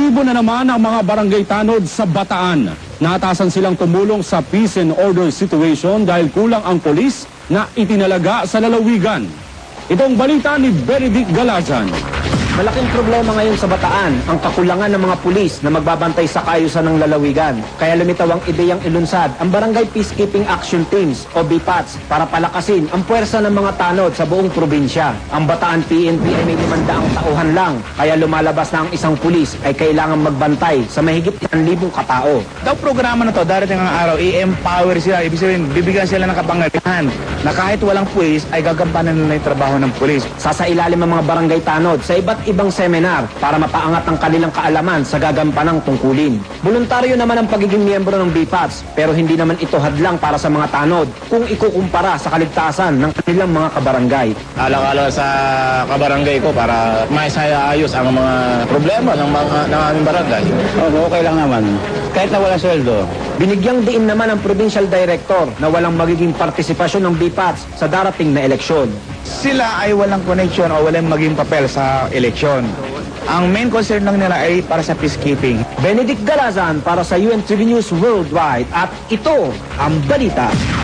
Aktibo na naman ang mga barangay tanod sa Bataan. Naatasan silang tumulong sa peace and order situation dahil kulang ang polis na itinalaga sa lalawigan. Itong balita ni Benedict Galazan. Malaking problema ngayon sa Bataan ang kakulangan ng mga pulis na magbabantay sa kaayusan ng lalawigan. Kaya lumitaw ang ideyang ilunsad ang Barangay Peacekeeping Action Teams o BPATS para palakasin ang puwersa ng mga tanod sa buong probinsya. Ang Bataan PNP ay may 500 tauhan lang, kaya lumalabas na ang isang pulis ay kailangan magbantay sa mahigit 1,000 katao. Daw programa na to, darating ang araw, i-empower sila, ibig sabihin, bibigyan sila ng kapangyarihan na kahit walang pulis ay gagampanan nila yung trabaho ng pulis. Sasailalim ang mga barangay tanod sa iba't ibang seminar para mapaangat ang kanilang kaalaman sa gagampanang tungkulin. Voluntaryo naman ang pagiging miyembro ng BPATS, pero hindi naman ito hadlang para sa mga tanod kung ikukumpara sa kaligtasan ng kanilang mga kabarangay. Alang-alang sa kabarangay ko para maisayayos ang mga problema ng aming barangay. Okay lang naman. Kahit na wala sweldo. Binigyang diin naman ang Provincial Director na walang magiging partisipasyon ng BPATS sa darating na eleksyon. Sila ay walang connection o walang maging papel sa eleksyon. Ang main concern lang nila ay para sa peacekeeping. Benedict Galazan para sa UNTV News Worldwide at ito ang balita.